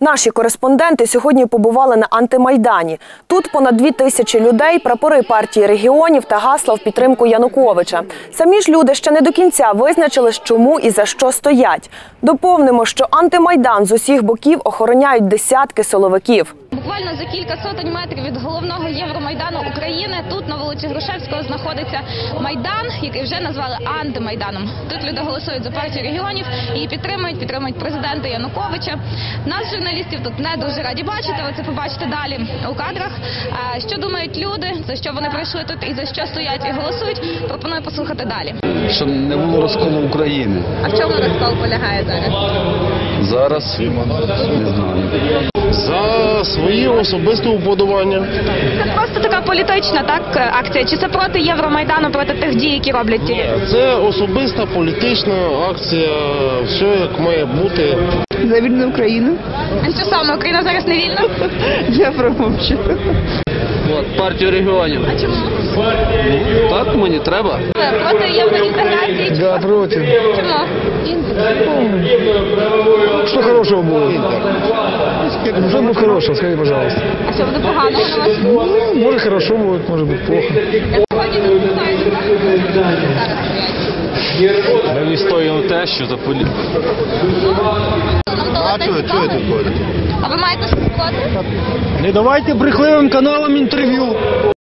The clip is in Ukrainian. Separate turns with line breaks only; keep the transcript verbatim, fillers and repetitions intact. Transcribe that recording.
Наші кореспонденти сьогодні побували на антимайдані. Тут понад дві тисячі людей, прапори партії регіонів та гасла в підтримку Януковича. Самі ж люди ще не до кінця визначились, чому і за що стоять. Доповнимо, що антимайдан з усіх боків охороняють десятки силовиків.
Буквально за кілька сотень метрів від головного Євромайдану України, тут на вулиці Грушевського знаходиться Майдан, який вже назвали антимайданом. Тут люди голосують за партію регіонів і підтримують, підтримують президента Януковича. Нас, журналістів, тут не дуже раді бачити, ви це побачите далі у кадрах. Що думають люди, за що вони прийшли тут і за що стоять і голосують, пропоную послухати далі.
Щоб не було розколу України.
А в чому розкол полягає зараз?
Зараз не знаю.
За свої особисті уподобання.
Це просто така політична, так, акція? Чи це проти Євромайдану, проти тих дій, які роблять ті люди?
Це особиста політична акція, все як має бути.
За вільну Україну.
А що саме, Україна зараз не вільна?
Я промовчу.
От, партію регіонів.
А чому?
Ну, так мені треба.
Проти євроінтеграції?
Да, против.
Чому?
Что хорошего будет? Что будет хорошего, скажи, пожалуйста.
А що буде поганого на вас?
Ну, может хорошо будет, может быть плохо.
Сьогодні тут знаєте, так? Зараз.
Ми відстоюємо те, що за полі...
А чого це ходить?
А ви маєте щось проти?
Не давайте брехливим каналам інтерв'ю.